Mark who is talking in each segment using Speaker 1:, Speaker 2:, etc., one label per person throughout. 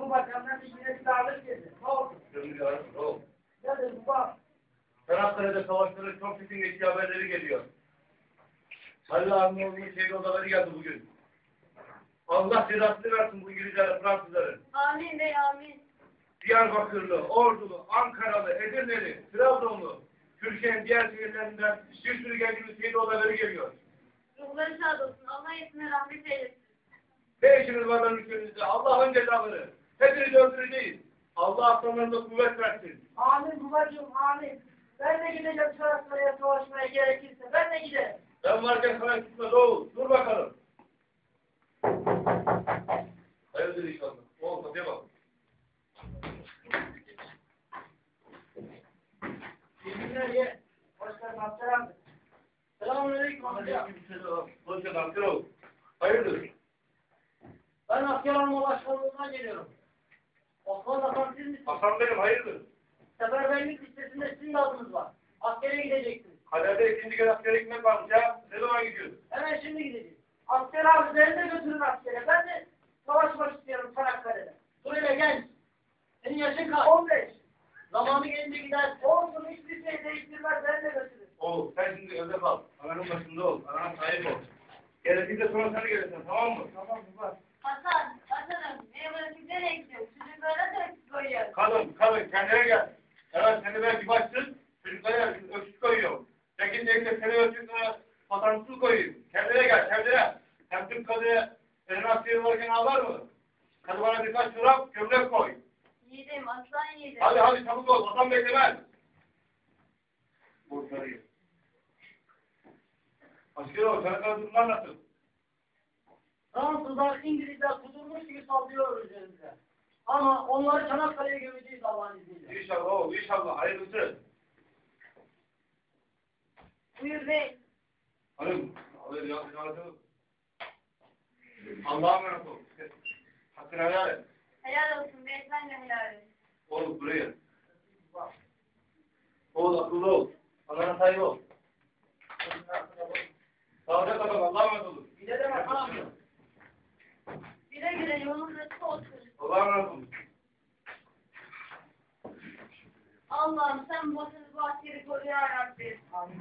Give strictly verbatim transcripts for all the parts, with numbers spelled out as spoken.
Speaker 1: baba senden bir yine bir dağlık geldi. Ne oldu?
Speaker 2: Gönül yarım, ne oldu?
Speaker 1: Ne dedi baba?
Speaker 2: Çanakkale'de savaşların çok çetin geçtiği haberleri geliyor. Halil abinin oğlunun şehir odaları geldi bugün. Allah cezasını versin bu İngilizlere, Fransızları.
Speaker 3: Amin bey amin.
Speaker 2: Diyarbakırlı, Ordulu, Ankaralı, Edirneli, Trabzonlu, Türkiye'nin diğer şehirlerinden bir sürü gencimiz şehir odaları geliyor.
Speaker 3: Ruhları şad olsun. Allah hepsine rahmet eylesin.
Speaker 2: Ne işiniz var lan ülkemizde? Allah'ın cezaları. Hepinizi öldüreceğiz. Allah aslanlarına kuvvet versin.
Speaker 1: Amin babacığım amin. Ben de gideceğim Çanakkale'ye savaşmaya gerekirse. Ben de giderim.
Speaker 2: Ben varken sana gitmez oğul. Dur bakalım. Hayırdır inşallah. Oğul kapıya bak.
Speaker 1: Yeminler ye. Hoş geldin Abdel abi. Selamünaleyküm amca.
Speaker 2: Hoş geldin asker oğul. Hayırdır?
Speaker 1: Ben asker olma başkanlığından geliyorum. Osman Hasan siz misiniz?
Speaker 2: Hasan benim hayırdır?
Speaker 1: Seferberlik listesinde sizin de adınız var. Askere gideceksiniz.
Speaker 2: Kalede ikinci kez askere gitmek varmış ya. Ne zaman gidiyorsun?
Speaker 1: Hemen şimdi gideceğiz. Asker abi beni de götürün askere. Ben de savaşmak istiyorum Çanakkale'de. Dur hele genç. Senin yaşın kaç? on beş. Zamanı gelince gidersin. Olsun hiçbir şey değiştirmez. Beni de götürün.
Speaker 2: Oğul sen şimdi evde kal. Ananın başında ol. Anana sahip ol. Gerekirse sonra sen gelirsin tamam mı?
Speaker 1: Tamam baba.
Speaker 3: Hasan, Hasan'ım. Neye bırakıp nereye gidiyorsun? Çocuklara da öksüz koyuyoruz.
Speaker 2: Kadın, kadın kendine gel. Evet seni belki başsın. Çocuklara öksüz koyuyor. Çekin çekin seni öksüz patansız koyayım. Kendine gel kendine. Hem Türk kadıya senin askeri varken ağlar mı? Hadi bana birkaç çorap gömlek koy.
Speaker 3: Yiğidim, aslan yiğidim.
Speaker 2: Hadi hadi çabuk ol. Vatan beklemez. Borçları. Asker ol. Çanakkale durumlar nasıl?
Speaker 1: Fransızlar, İngilizler kudurmuş gibi saldırıyor üzerimize. Ama onları Çanakkale'ye gömeceğiz Allah'ın izniyle.
Speaker 2: İnşallah oğul. İnşallah. Hayırlısı.
Speaker 3: Buyur bey.
Speaker 2: Hanım. Abi ya. Allah'a emanet ol. Hakkını helal et.
Speaker 3: Helal olsun bey, sen de helal et.
Speaker 2: Oğlum buraya. Oğul akıllı ol. Allah'ına sahip ol. Sağlıcakla kal. Allah'a emanet olun.
Speaker 1: Bir de demek ne yapıyor?
Speaker 3: Güle güle yolun açık olsun.
Speaker 2: Allah'a emanet olun.
Speaker 3: Allah'ım sen bu vatanı, bu askeri koru ya Rabbi.
Speaker 1: Amin.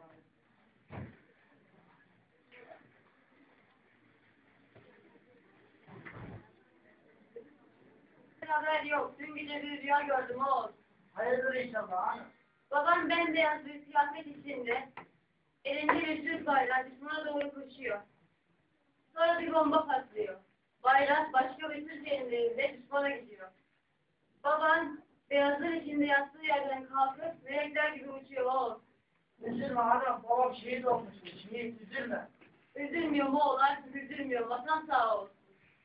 Speaker 3: Haber yok. Dün gece bir rüya gördüm oğul.
Speaker 1: Hayırdır inşallah. Hanım.
Speaker 3: Babam bembeyaz bir kıyafet içinde elinde bir Türk bayrağı düşmana doğru koşuyor. Sonra bir bomba patlıyor. Bayrak başka bir Türk elinde düşmana gidiyor. Babam beyazlar içinde yattığı yerden kalkıp melekler gibi uçuyor oğul.
Speaker 1: Üzülme hanım. Babam şehit olmuş. Şehit üzülme.
Speaker 3: Üzülmüyor mu oğul, artık üzülmüyor. Vatan sağ olsun.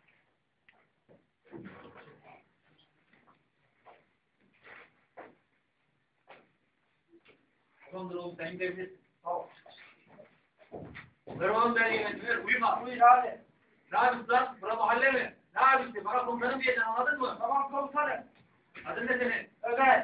Speaker 4: Tamamdır oğlum sen gidebilirsin.
Speaker 1: Tamam.
Speaker 4: Ver oğlum ben yönetilir. Uyuma.
Speaker 1: Buyur abi.
Speaker 4: Ne yapıyorsun lan? Bura mahalle mi? Ne yapıyorsun? Bana komutanım diyeceksin anladın mı?
Speaker 1: Tamam komutanım.
Speaker 4: Adın ne senin?
Speaker 1: Ömer.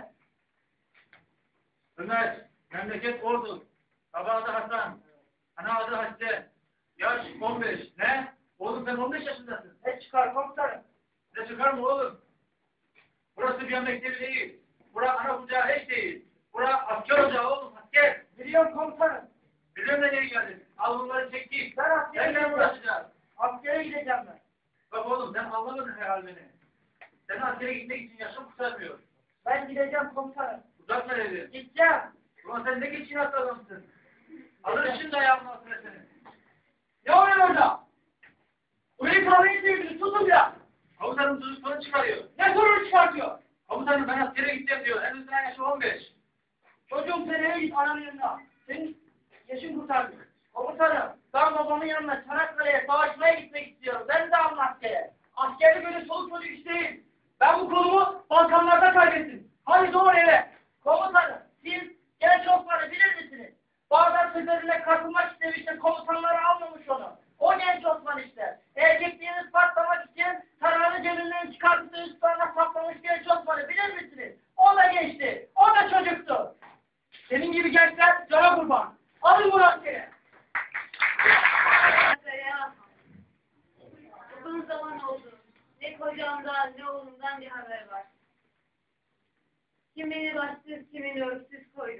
Speaker 4: Ömer. Memleket Ordu. Baba adı Hasan. Ana adı Hatice. Yaş on beş. Ne? Oğlum sen on beş yaşındasın.
Speaker 1: Ne çıkar komutanım?
Speaker 4: Ne çıkar mı oğlum? Burası bir mektebi değil. Bura ana kucağı hiç değil. Bura asker ocağı oğlum asker.
Speaker 1: Biliyorum komutanım.
Speaker 4: Biliyorum da nereye geldin? Al bunları çek git.
Speaker 1: Ben askere
Speaker 4: Seninle
Speaker 1: gideceğim.
Speaker 4: uğraşacağız.
Speaker 1: Askere gideceğim ben.
Speaker 4: Bak oğlum sen anlamadın herhalde beni. Sen askere gitmek için yaşın kurtarmıyor.
Speaker 1: Ben gideceğim komutanım.
Speaker 4: Uzatma dedi.
Speaker 1: Gideceğim.
Speaker 4: Ulan sen ne geçin atlı adamsın. Alır şimdi ayağımın altına seni.
Speaker 1: Ne oluyor orada? Burayı kahveyi sevdiniz. Tutun ya.
Speaker 4: Komutanım çocuk sorun çıkarıyor.
Speaker 1: Ne sorun çıkartıyor?
Speaker 4: Komutanım ben askere gideceğim diyor. En uzun yaşı on beş.
Speaker 1: Çocuğum sen eve git ananın yanına. Senin yaşın kurtardı. Komutanım ben babamın yanına Çanakkale'ye savaşmaya gitmek istiyorum. Ben de alın askere. Askerde böyle soluk çocuk iş değil. Ben bu kolumu Balkanlarda kaybettim. Hadi doğru eve. Komutanım siz genç Osman'ı bilir misiniz? Bağdat seferine katılmak istemişti. Komutanları almamış onu. O genç Osman işte. Erkekliğini ispatlamak için tarağını cebinden çıkartıp da üstlerine saplamış genç Osman'ı bilir misiniz? O da geçti. O da çocuktu. Senin gibi gençler cana kurban. Alın bu askere.
Speaker 3: Ya. Uzun zaman oldu. Ne koyun kocamdan ne oğlumdan bir haber var. Kim beni başsız, kimin örgüsüz koydu.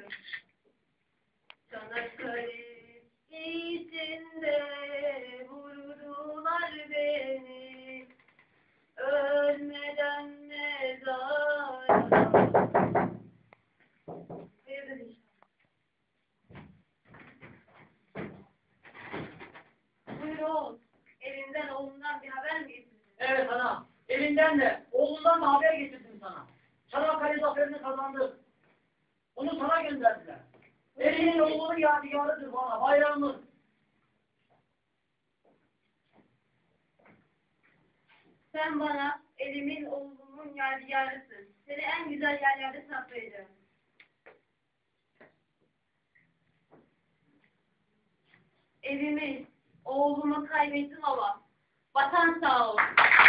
Speaker 3: Çanakkale içinde vurdular beni. Ölmeden mezara. Hayırdır inşallah. Buyur oğul. Elinden oğlundan bir haber mi getirdin?
Speaker 1: Evet ana. Elinden de oğlundan da haber getirdim sana. Çanakkale zaferini kazandık. Onu sana gönderdiler. Elinin oğlunun yadigarıdır bana. Bayrağımız.
Speaker 3: Sen bana elimin oğlumun yadigarısın. Seni en güzel yerlerde saklayacağım. Evimi, oğlumu kaybettim ama vatan sağ olsun.